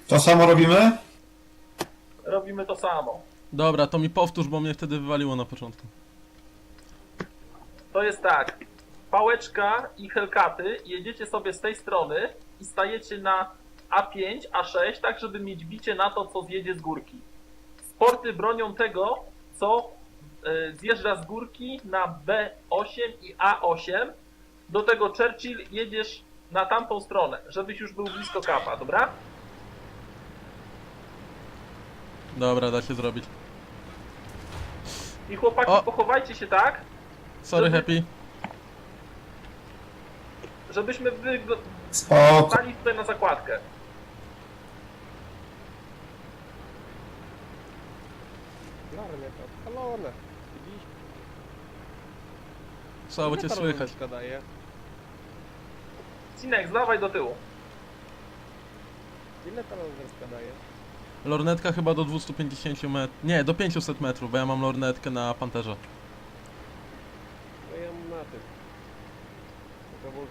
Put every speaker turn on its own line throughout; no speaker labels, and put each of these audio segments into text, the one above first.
To samo robimy?
Robimy to samo.
Dobra, to mi powtórz, bo mnie wtedy wywaliło na początku.
To jest tak. Pałeczka i Hellcaty jedziecie sobie z tej strony i stajecie na A5, A6, tak żeby mieć bicie na to, co zjedzie z górki. Sporty bronią tego, co zjeżdża z górki na B8 i A8. Do tego Churchill jedziesz na tamtą stronę, żebyś już był blisko kapa, dobra?
Dobra, da się zrobić.
I chłopaki,
O!
pochowajcie się tak,
Sorry,
Żeby-
Happy.
żebyśmy
Spoko.
stali tutaj na zakładkę.
Larnia to odpalone. Widzisz?
Słabo
Ile
cię
ta
słychać.
lodówka daje?
Cinek, zdawaj do tyłu.
Ile ta lodówka daje?
Lornetka chyba do 250 metrów. Nie, do 500 metrów, bo ja mam lornetkę na Panterze.
No ja mam na tym. Na kawałku.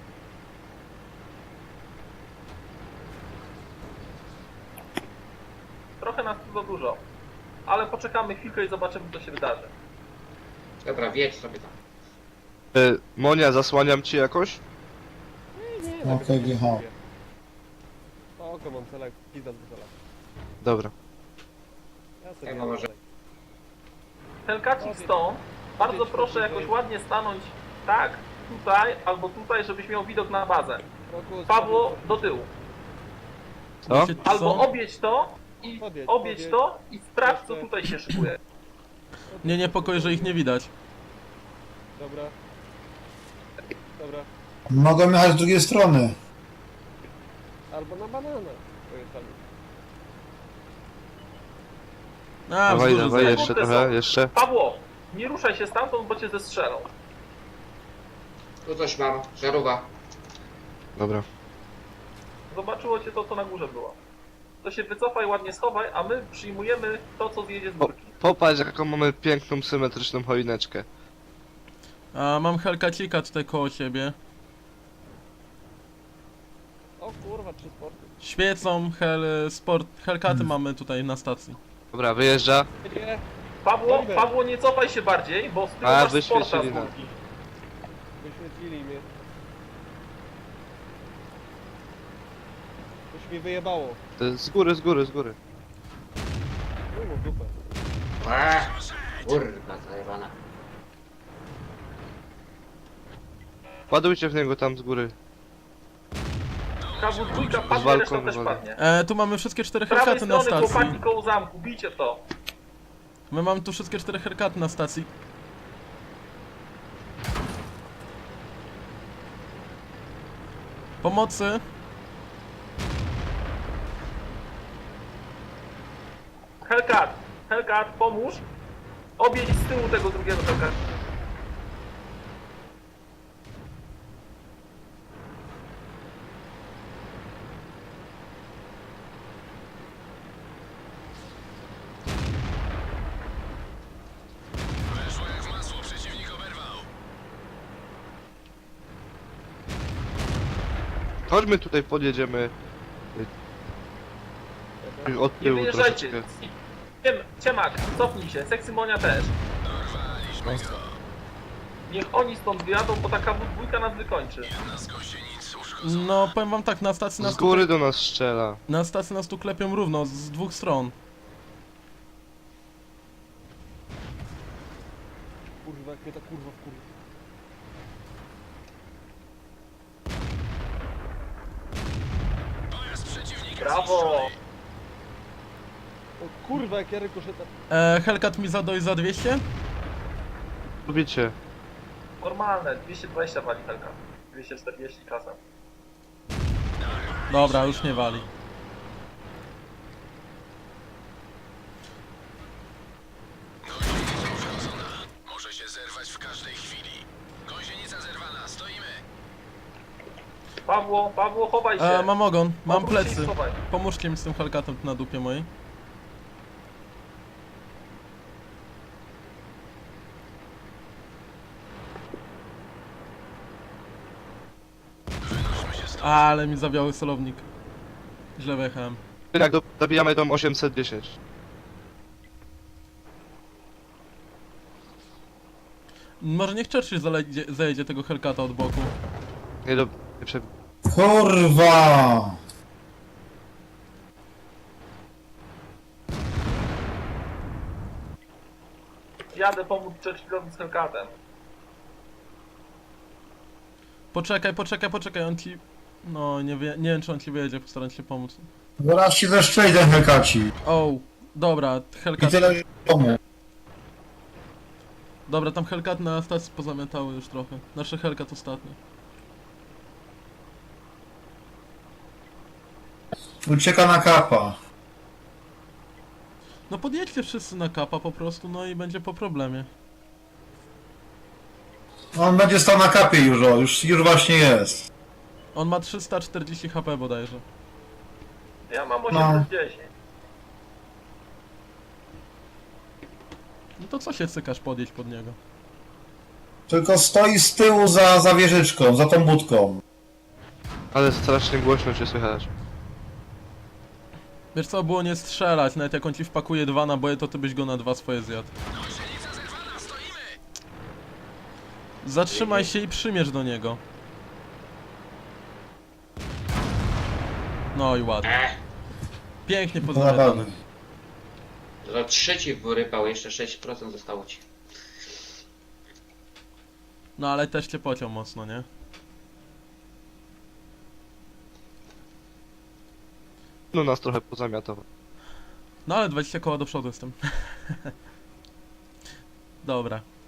Trochę nas tu za dużo. Ale poczekamy chwilkę i zobaczymy, co się wydarzy.
Dobra, wiedź sobie tam.
Monia, zasłaniam ci jakoś?
Nie,
Okej, wjechał.
Oko mam celak, pizda z cela.
Dobra.
Ja sobie
Jak
jadę
może?
dalej.
Hellcacik stąd. Bardzo proszę jakoś ładnie stanąć tak, tutaj albo tutaj, żebyś miał widok na bazę.
Roku,
Pawło, do tyłu.
Co?
Wiecie,
Albo
co?
objedź to i objedź to i sprawdź, co tutaj się szykuje.
Nie niepokoi, że ich nie widać.
Dobra. Dobra.
Mogą jechać z drugiej strony.
Albo na banana. Pojechali.
A,
Dawaj,
wzgórzu
dawaj,
za-
jeszcze
Kurde,
trochę,
są.
jeszcze.
Pawło, nie ruszaj się stamtąd, bo cię zestrzelą.
Tu coś mam, żarówa.
Dobra.
Zobaczyło cię to, co na górze było. To się wycofaj, ładnie schowaj, a my przyjmujemy to, co zjedzie z górki.
Popatrz, jaką mamy piękną, symetryczną choineczkę.
A, mam Hellcacika tutaj koło siebie.
O kurwa, 3 sporty.
Świecą, Hellcaty mamy tutaj na stacji.
Dobra, wyjeżdża.
Nie,
Pawło, nie cofaj się bardziej, bo z tyłu
A,
masz sporta z
wyświecili nas.
górki.
wyświetlili mnie. Coś mi wyjebało.
To z góry, z góry, z góry.
Chuj mu w dupę.
Kurwa, zajebana.
Ładujcie w niego tam z góry.
KW2 padnie,
walką
reszta też
wywalę.
padnie.
Tu mamy wszystkie 4
Z prawej
Hellcaty na
strony chłopaki
stacji.
koło zamku, bijcie w to.
My mamy tu wszystkie 4 Hellcaty na stacji. Pomocy.
Hellcat, pomóż. Objedź z tyłu tego drugiego Hellcat.
Chodźmy tutaj, podjedziemy. Od
Nie
tyłu
wyjeżdżajcie.
troszeczkę.
Ciemak, cofnij się, Seksymonia też. Niech oni stąd wyjadą, bo ta KW2 nas wykończy.
No, powiem wam tak, na stacji
Z
nas
góry do nas strzela.
Na stacji nas tu klepią równo, z dwóch stron.
Kurwa, jak mnie ta kurwa wkurwa.
Brawo!
O kurwa, jak ja rykoszetem.
Hellcat mi zadoi za 200?
Lubicie.
Normalne, 220 wali Hellcat. 240 czasem.
Dobra, już nie wali.
Może się zerwać w każdej chwili. Gąsienica zerwana, stoimy.
Pawło, chowaj się.
Mam ogon, mam
Obróć się i
plecy.
schowaj.
Pomóżcie mi z tym Hellcatem tu na dupie mojej. Ale mi zawiały celownik. Źle wjechałem.
Jak zabijamy tą 810.
Może niech Churchill zajedzie tego Hellcata od boku.
Nie do... Nie prze...
Kurwa!
Jadę pomóc Churchillowi z Hellcatem.
Poczekaj, on ci... No, nie wiem czy on ci wyjedzie, postaram się pomóc.
Zaraz ci zeszczeli ten Hellkaci.
O, dobra,
I
Hellcat...
tyle że domu.
Dobra, tam Hellcat na stacji pozamiatały już trochę. Nasze Hellcat ostatnio.
Ucieka na kapa.
No podjedźcie wszyscy na kapa po prostu, no i będzie po problemie.
On będzie stał na kapie już, o, już właśnie jest.
On ma 340 HP bodajże.
Ja mam
No.
810.
No to co się cykasz podjeść pod niego?
Tylko stoi z tyłu za wieżyczką, za tą budką.
Ale strasznie głośno cię słychać.
Wiesz co, było nie strzelać, nawet jak on ci wpakuje 2 naboje, to ty byś go na 2 swoje zjadł.
Gąsienica zerwana, stoimy!
Zatrzymaj się i przymierz do niego. No i ładnie. Pięknie pozamiatane.
Naprawdę.
To 3 ci wyrypał, jeszcze 6% zostało ci.
No ale też cię pociął mocno, nie?
No nas trochę pozamiatował.
No ale 20 koła do przodu jestem. Dobra.